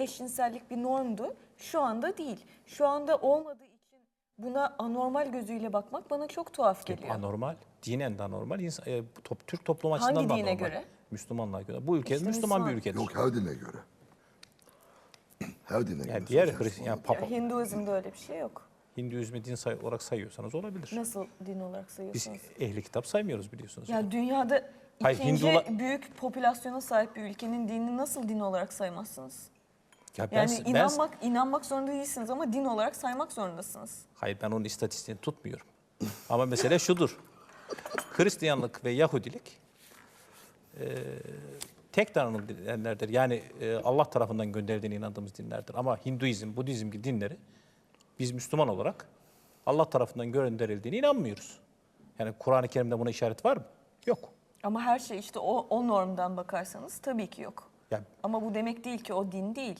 eşcinsellik bir normdu. Şu anda değil. Şu anda olmadığı için buna anormal gözüyle bakmak bana çok tuhaf geliyor. Anormal, dinen de anormal. Türk toplumu açısından Hangi da dine anormal. göre? Müslümanlığa göre. Bu ülke İşte Müslüman bir Müslüman. ülkedir. Yok, her dine göre. Her dine göre. Yani diğer söz konusu Hristiyan, olan. Papa, Hinduizm'de öyle bir şey yok. Hinduizmi din olarak sayıyorsanız olabilir. Nasıl din olarak Biz sayıyorsunuz? ehli kitap saymıyoruz biliyorsunuz. Ya dünyada Hayır, ikinci büyük popülasyona sahip bir ülkenin dinini nasıl din olarak saymazsınız? Ya Yani inanmak zorunda değilsiniz ama din olarak saymak zorundasınız. hayır, ben onun istatistiğini tutmuyorum. Ama mesele şudur. Hristiyanlık ve Yahudilik tek tanrılı dinlerdir. Yani Allah tarafından gönderildiğine inandığımız dinlerdir. Ama Hinduizm, Budizm gibi dinleri biz Müslüman olarak Allah tarafından gönderildiğine inanmıyoruz. Yani Kur'an-ı Kerim'de buna işaret var mı? Yok. Ama her şey işte o normdan bakarsanız tabii ki yok. Yani Ama bu demek değil ki o din değil.